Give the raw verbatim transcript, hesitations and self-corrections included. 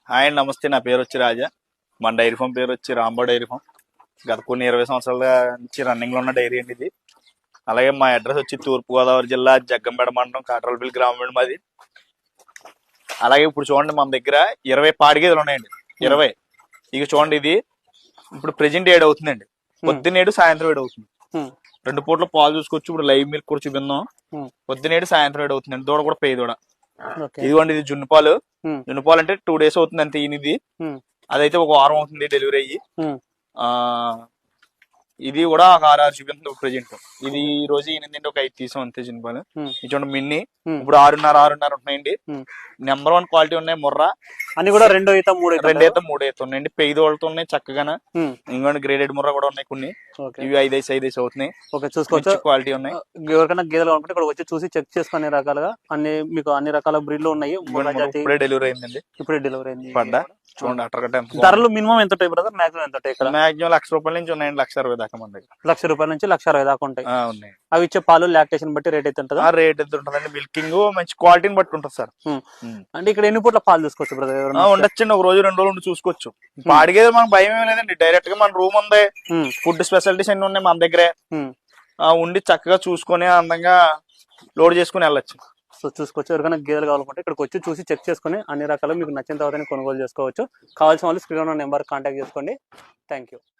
Hi అండి, నమస్తే. నా పేరు వచ్చి రాజా. మన డైరీ ఫామ్ పేరు వచ్చి రాంబో డైరీ ఫామ్. గత కొన్ని ఇరవై సంవత్సరాల నుంచి రన్నింగ్లో ఉన్న డైరీ అండి ఇది. అలాగే మా అడ్రస్ వచ్చి తూర్పుగోదావరి జిల్లా జగ్గంపేట మండలం కాట్రలపల్లి గ్రామం మాది. అలాగే ఇప్పుడు చూడండి, మన దగ్గర ఇరవై పాడి గేదెలు ఉన్నాయండి. ఇరవై ఇక చూడండి, ఇది ఇప్పుడు ప్రెజెంట్ ఏడు అవుతుందండి. పొద్దున్నేడు సాయంత్రం ఏడు అవుతుంది. రెండు పూట్ల పాలు చూసుకోవచ్చు. ఇప్పుడు లైవ్ మిల్క్ కూడా చూపిందాం. పొద్దునేడు సాయంత్రం ఏడు అవుతుందండి. దూడ కూడా పేయి దూడ. ఇదిగోండి, ఇది జున్ను పాలు. జున్ను పాలు అంటే టూ డేస్ అవుతుంది అంతే. ఇది అదైతే ఒక వారం అవుతుంది డెలివరీ అయ్యి. ఆ ఇది కూడా ఒక ఆరు ఆరు చూపించింది ప్రెజెంట్. ఇది ఈ రోజు ఈయనండి ఒక ఐదు తీసాం అంతే జున్ను పాలు. ఇది చూడండి మిన్ని, ఇప్పుడు ఆరున్నర ఆరున్నర ఉన్నాయండి. నెంబర్ వన్ క్వాలిటీ ఉన్నాయి. ముర్రా అన్ని కూడా రెండో ఈత మూడు రెండు ఈత మూడు ఈత ఉన్నాయండి. పెయిదు వాళ్ళతో ఉన్నాయి చక్కగా. ఇంకోటి గ్రేడెడ్ ముర్రా కూడా ఉన్నాయి కొన్ని. ఇవి ఐదేసి ఐదేసి అవుతున్నాయి. చూసుకోవచ్చు, క్వాలిటీ ఉన్నాయి. ఎవరికైనా గేదెలు అనుకుంటే ఇక్కడ వచ్చి చూసి చెక్ చేసుకునే రకాలుగా అన్ని మీకు అన్ని రకాల బ్రీడ్లు ఉన్నాయి. ఇప్పుడే డెలివరీ అయిందండి. ఇప్పుడే డెలివరీ అయింది. పడ్డా చూడండి. అట్లా ధరలు మినిమం ఎంత ఉంటాయి బ్రదర్? మాక్సిమం ఎంత ఉంటాయి ఇక్కడ? మాక్సిమం లక్ష రూపాయల నుంచి ఉన్నాయండి. లక్ష అరవై దాకా మన దగ్గర. లక్ష రూపాయల నుంచి లక్ష అరవై దాకా ఉంటాయి. ఉన్నాయి. అవి ఇచ్చే పాలు లాక్టేషన్ బట్టి రేట్ అయితే ఉంటుంది. రేట్ ఎంత ఉంటుందండి? మిల్కింగ్ మంచి క్వాలిటీని బట్టి ఉంటుంది సార్. అంటే ఇక్కడ ఎన్ని పూట్ల పాలు తీసుకోవచ్చు బ్రదర్? ఉండొచ్చండి, ఒక రోజు రెండు రోజులు చూసుకోవచ్చు. పాడిగేది మనకు భయం ఏమి లేదండి. డైరెక్ట్ గా మన రూమ్ ఉంది, ఫుడ్ స్పెషాలిటీస్ అన్ని ఉన్నాయి మన దగ్గరే. ఉండి చక్కగా చూసుకొని అందంగా లోడ్ చేసుకుని వెళ్ళొచ్చు. సో చూసుకోవచ్చు, ఎవరికైనా గేదెలు కావాలనుకుంటే ఇక్కడికి వచ్చి చూసి చెక్ చేసుకుని అన్ని రకాలు మీకు నచ్చిన తర్వాత కొనుగోలు చేసుకోవచ్చు. కావాల్సిన వాళ్ళు స్క్రీన్ ఉన్న నెంబర్ కాంటాక్ట్ చేసుకోండి. Thank you.